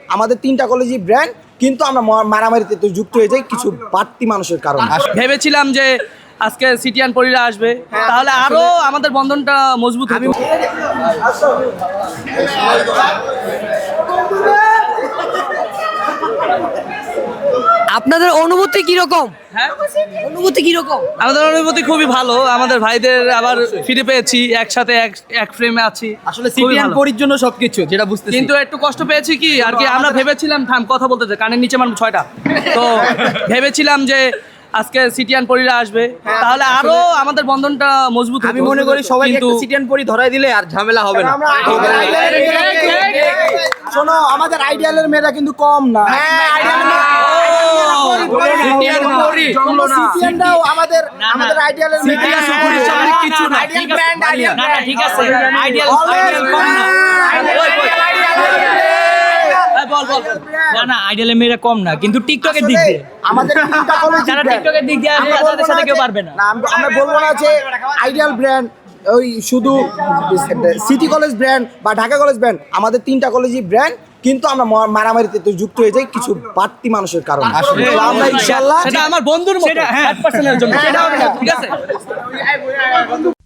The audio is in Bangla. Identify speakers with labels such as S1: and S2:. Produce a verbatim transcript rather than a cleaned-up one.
S1: আমাদের তিনটা কলেজই ব্র্যান্ড, কিন্তু আমরা মারামারিতে তো যুক্ত হয়ে যাই কিছু বাড়তি মানুষের কারণে।
S2: ভেবেছিলাম যে আজকে সিটিয়ান পরীরা আসবে, তাহলে আরো আমাদের বন্ধনটা মজবুত হবে।
S3: আপনাদের অনুভূতি কিরকম?
S2: হ্যাঁ,
S3: অনুভূতি কিরকম?
S2: আমাদের অনুভূতি খুবই ভালো। আমাদের ভাইদের আবার ফিরে পেয়েছি, একসাথে এক এক ফ্রেমে আছি।
S4: আসলে সিটিয়ান পরির জন্য সবকিছু যেটা বুঝতেছি,
S2: কিন্তু একটু কষ্ট পেয়েছি কি আর কি, আমরা ভেবেছিলাম, থাম কথা বলতে চাই, কানের নিচে মানুষ ছয়টা, তো ভেবেছিলাম যে আজকে সিটিয়ান পরীরা আসবে, তাহলে আরো আমাদের বন্ধনটা মজবুত হবে।
S4: আমি মনে করি সবাইকে
S2: কিন্তু
S4: একটা সিটিয়ান পরি ধরাই দিলে আর ঝামেলা হবে না।
S1: শোনো, আমাদের আইডিয়ালের মেয়েরা কিন্তু কম না।
S2: সিটিয়ান পরী
S1: সিটিয়ানরাও আমাদের আমাদের আইডিয়ালের মেয়েরা
S4: কিছু না,
S1: আইডিয়াল ব্র্যান্ড, আইডিয়াল
S2: না, না, ঠিক আছে, আইডিয়াল আইডিয়াল কম না। এই বল বল
S5: না না আইডিয়ালের মেয়েরা কম না, কিন্তু টিকটকের দিক দিয়ে
S1: আমাদের তিনটা কলেজ
S5: যারা টিকটকের দিক দিয়ে আসবে তাদের সাথে কেউ পারবে না।
S1: না, আমরা আমরা বলবো না যে আইডিয়াল ব্র্যান্ড ওই শুধু সিটি কলেজ ব্র্যান্ড বা ঢাকা কলেজ ব্র্যান্ড, আমাদের তিনটা কলেজই ব্র্যান্ড, কিন্তু আমরা মারামারিতে তো যুক্ত হয়ে যাই কিছু বাড়তি মানুষের কারণে। তো আমরা ইনশাআল্লাহ
S2: সেটা আমার বন্ধুর মতো, এক পার্সেন্টের জন্য, ঠিক আছে।